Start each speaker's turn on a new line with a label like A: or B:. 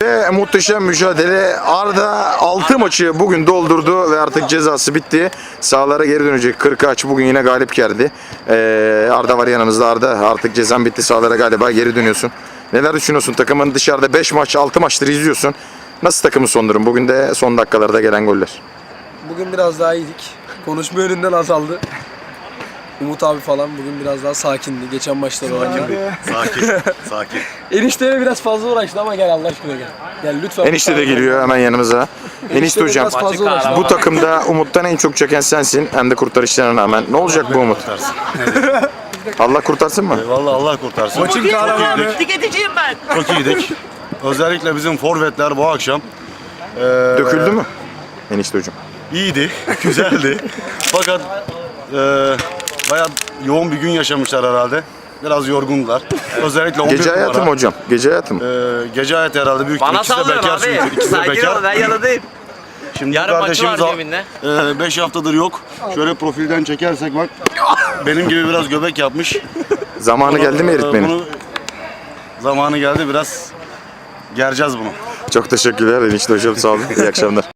A: Ve muhteşem mücadele. Arda 6 maçı bugün doldurdu ve artık cezası bitti. Sahalara geri dönecek. 40 aç bugün yine galip geldi. Arda var yanımızda. Arda artık cezan bitti. Sahalara galiba geri dönüyorsun. Neler düşünüyorsun? Takımın dışarıda 5 maç 6 maçtır izliyorsun. Nasıl takımın son durum? Bugün de son dakikalarda gelen goller.
B: Bugün biraz daha iyiydik. Konuşma yönünden azaldı. Umut abi falan bugün biraz daha sakindi. Geçen maçlar olan gibi.
C: Sakin.
B: Enişteye biraz fazla uğraştı ama gel Allah aşkına gel. Gel lütfen.
A: Enişte de geliyor hemen yanımıza. Enişte hocam,
B: biraz fazla uğraştı.
A: bu takımda Umut'tan en çok çeken sensin. Hem de kurtarışlarına rağmen. Ne olacak bu Umut? Allah kurtarsın mı?
C: Vallahi Allah kurtarsın.
B: Maçın kahramanı.
D: Tüketeceğim ben.
C: Çok iyiydik. Özellikle bizim forvetler bu akşam
A: Döküldü mü? Enişte hocam.
C: iyiydi, güzeldi. Fakat bayağı yoğun bir gün yaşamışlar herhalde. Biraz yorgundular. Özellikle 11
A: Gece hayatı mı
C: numara.
A: hocam? Gece hayatı mı?
C: Gece hayatı herhalde büyük ihtimalle.
D: Bana
C: İkisi de
D: sallıyorsun
C: bekar çünkü.
D: abi.
C: İkisi de
D: Sakin ol,
C: bekar.
D: ben yanındayım.
C: Şimdi
D: Yarın maçı
C: kardeşimiz
D: var cebinde.
C: 5 haftadır yok. Şöyle profilden çekersek bak. Benim gibi biraz göbek yapmış.
A: Zamanı geldi mi eritmenin?
C: Zamanı geldi, biraz gereceğiz bunu.
A: Çok teşekkürler enişte hocam, sağ olun. İyi akşamlar.